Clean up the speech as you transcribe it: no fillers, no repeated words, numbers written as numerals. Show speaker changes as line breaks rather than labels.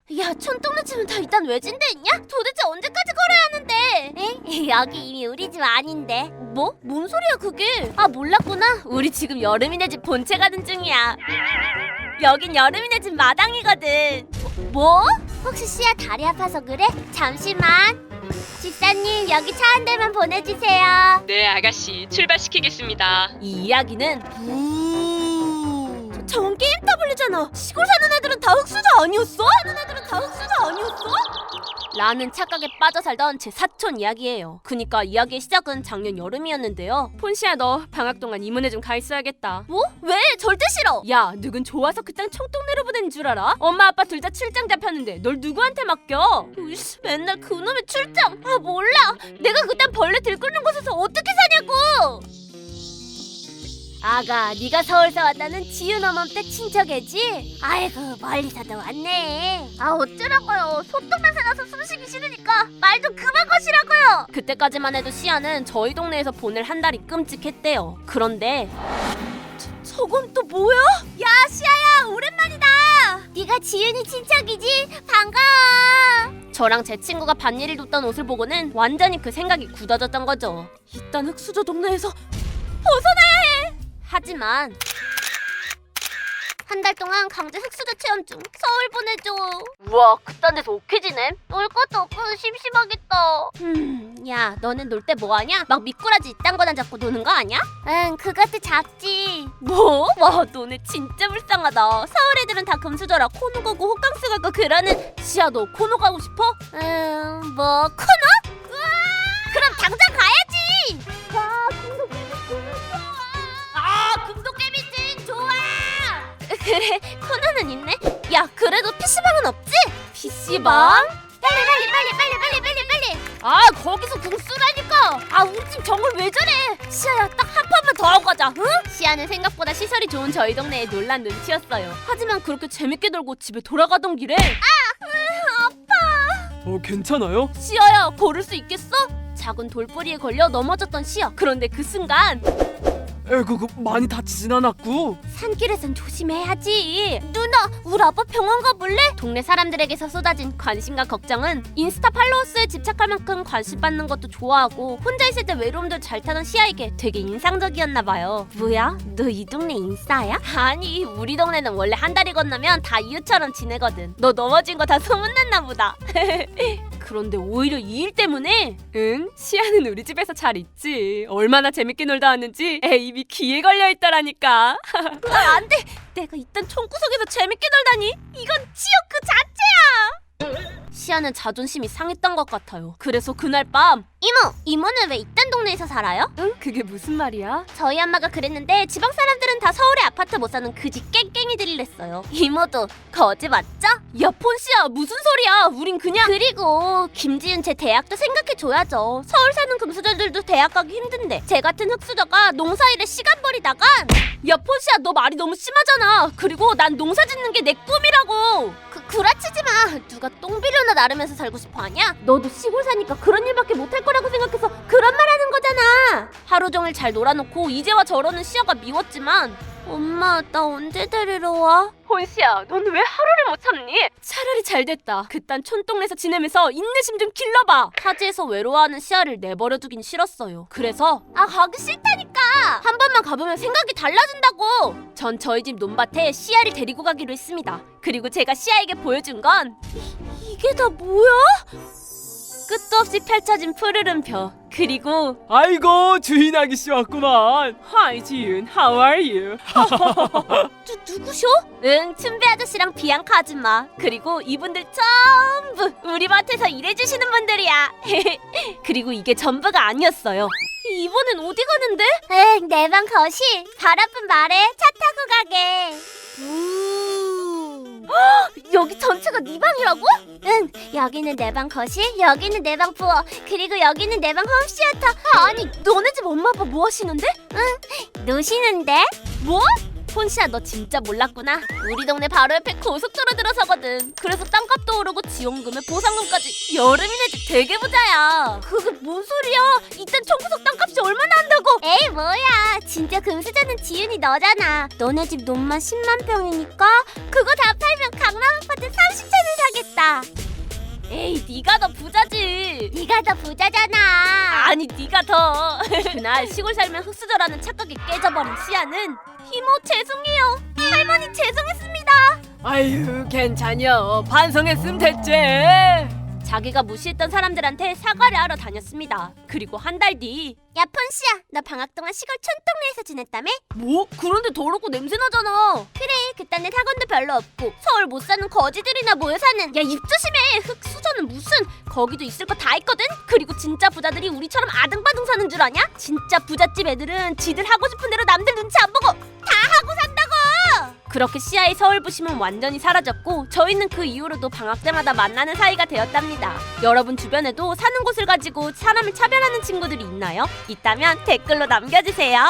야, 촌동네 집은 다 일단 외진데 있냐? 도대체 언제까지 걸어야 하는데? 에? 여기 이미 우리 집 아닌데. 뭐? 뭔 소리야 그게? 아, 몰랐구나. 우리 지금 여름이네 집 본체 가는 중이야. 여긴 여름이네 집 마당이거든. 뭐? 혹시 씨야 다리 아파서 그래? 잠시만. 집사님, 여기 차 한 대만 보내주세요.
네, 아가씨. 출발시키겠습니다.
이 이야기는 저건 게임 타블리잖아. 시골 사는 애들은 다 흑수저 아니었어? 라는 착각에 빠져 살던 제 사촌 이야기예요. 그니까 이야기의 시작은 작년 여름이었는데요.
폰시야, 너 방학 동안 이모네 좀 가 있어야겠다.
뭐? 왜? 절대 싫어.
야, 누군 좋아서 그 땅 총동네로 보낸 줄 알아? 엄마 아빠 둘 다 출장 잡혔는데 널 누구한테 맡겨?
으이씨, 맨날 그놈의 출장. 아, 몰라. 내가 그딴 벌레 들끓는 곳에서 어떻게 사냐고. 아가, 네가 서울서 왔다는 지윤 어멈댁 친척이지? 아이고, 멀리서도 왔네. 아, 어쩌라고요. 소똥냄새 나서 숨쉬기 싫으니까 말 좀 그만 거시라고요.
그때까지만 해도 시아는 저희 동네에서 보낼 한 달이 끔찍했대요. 그런데
저건 또 뭐야? 야, 시아야, 오랜만이다. 네가 지윤이 친척이지? 반가워.
저랑 제 친구가 반일을 뒀던 옷을 보고는 완전히 그 생각이 굳어졌던 거죠.
이딴 흑수저 동네에서 벗어나야 해. 하지만 한 달 동안 강제 흑수저 체험 중. 서울 보내줘.
우와, 그딴 데서 오케지네.
놀 것도 없고 심심하겠다. 야, 너는 놀 때 뭐하냐? 막 미꾸라지 이딴 거나 잡고 노는 거 아니야? 응, 그것도 잡지.
뭐?
와, 너네 진짜 불쌍하다. 서울 애들은 다 금수저라 코노 가고 호캉스 가고 그러는.
시아, 너 코노 가고 싶어?
뭐 코노? 우와! 그럼 당장 가야지. 아, 금도깨비증 좋아. 그래, 코너는 있네. 야, 그래도 PC방은 없지?
PC방?
빨리.
아, 거기서 궁 쓰라니까.
아, 우리 집 정글 왜 저래? 시아야, 딱 한 판만 더 하고 가자. 응?
시아는 생각보다 시설이 좋은 저희 동네에 놀란 눈치였어요. 하지만 그렇게 재밌게 놀고 집에 돌아가던 길에
괜찮아요?
시아야, 걸을 수 있겠어? 작은 돌뿌리에 걸려 넘어졌던 시아. 그런데 그 순간
많이 다치진 않았고.
산길에선 조심해야지. 누나, 우리 아빠 병원 가볼래?
동네 사람들에게서 쏟아진 관심과 걱정은 인스타 팔로워 수에 집착할 만큼 관심 받는 것도 좋아하고 혼자 있을 때 외로움도 잘 타던 시아에게 되게 인상적이었나 봐요.
뭐야? 너 이 동네 인싸야?
아니, 우리 동네는 원래 한 달이 건너면 다 이웃처럼 지내거든. 너 넘어진 거 다 소문났나 보다. 그런데 오히려 이 일 때문에 시아는 우리 집에서 잘 있지. 얼마나 재밌게 놀다 왔는지 입이 귀에 걸려있더라니까.
안 돼. 내가 이딴 총구석에서 재밌게 놀다니. 이건 지옥 그 자체야.
시아는 자존심이 상했던 것 같아요. 그래서 그날 밤
이모는 왜 이딴 동네에서 살아요?
그게 무슨 말이야?
저희 엄마가 그랬는데 지방 사람들은 다 서울에 아파트 못 사는 그지 깽깽이들이랬어요. 이모도 거지 맞죠?
야, 폰시야, 무슨 소리야? 우린 그냥
그리고 김지은 제 대학도 생각해줘야죠. 서울 사는 금수저들도 대학 가기 힘든데 제 같은 흑수저가 농사일에 시간 버리다간.
야, 폰시야, 너 말이 너무 심하잖아. 그리고 난 농사 짓는 게 내 꿈이라고.
구라치지 마. 누가 똥비료나 나르면서 살고 싶어 하냐? 너도 시골 사니까 그런 일밖에 못할 거라고 생각해서 그런 말 하는 거잖아.
하루 종일 잘 놀아놓고 이제와 저러는 시아가 미웠지만
엄마, 나 언제 데리러 와?
폰시야, 넌 왜 하루를 못 참니? 차라리 잘 됐다. 그딴 촌동네에서 지내면서 인내심 좀 길러봐. 타지에서 외로워하는 시아를 내버려두긴 싫었어요. 그래서
가기 싫다니까.
한 번만 가보면 생각이 달라진다고. 전 저희 집 논밭에 시아를 데리고 가기로 했습니다. 그리고 제가 시아에게 보여준 건
이게 다 뭐야?
끝도 없이 펼쳐진 푸르른 벼. 그리고
아이고, 주인 아기씨 왔구만. Hi 지윤, how are you?
누구셔?
춘배 아저씨랑 비앙카 아줌마. 그리고 이분들 전부 우리 밭에서 일해주시는 분들이야. 그리고 이게 전부가 아니었어요. 이번엔 어디 가는데?
내 방 거실. 바라쁜 말에 차 타고 가게. 여기 전체가 네 방이라고? 응, 여기는 내 방 거실, 여기는 내 방 부엌, 그리고 여기는 내 방 홈시어터.
아니, 너네 집 엄마 아빠 뭐 하시는데?
노시는데?
뭐? 폰시야, 너 진짜 몰랐구나. 우리 동네 바로 옆에 고속도로 들어서거든. 그래서 땅값도 오르고 지원금에 보상금까지 여름이네 집 되게 부자야.
그게 뭔 소리야? 이딴 청구석 땅값이 얼마나 한다고? 에이, 뭐야. 진짜 금수저는 지윤이 너잖아. 너네 집 논만 10만 평이니까 그거 다 팔면 강남 아파트 30채는 사겠다.
에이, 네가 더 부자지.
네가 더 부자잖아.
아니, 네가 더. 그날 시골 살면 흙수저라는 착각이 깨져버린 시아는 이모 죄송해요. 할머니 죄송했습니다.
아유 괜찮여. 반성했으면 됐지.
자기가 무시했던 사람들한테 사과를 하러 다녔습니다. 그리고 한 달 뒤.
야 폰씨야, 너 방학 동안 시골 촌동네에서 지냈다며?
뭐? 그런데 더럽고 냄새나잖아.
그래, 그딴 데 학원도 별로 없고 서울 못 사는 거지들이나 모여 사는.
야, 입 조심해. 흙수저는 무슨. 거기도 있을 거 다 있거든. 그리고 진짜 부자들이 우리처럼 아등바등 사는 줄 아냐? 진짜 부잣집 애들은 지들 하고 싶은 대로 남들 눈치 안 보고 다 하고 산다고. 그렇게 시아의 서울 부심은 완전히 사라졌고 저희는 그 이후로도 방학 때마다 만나는 사이가 되었답니다. 여러분 주변에도 사는 곳을 가지고 사람을 차별하는 친구들이 있나요? 있다면 댓글로 남겨주세요.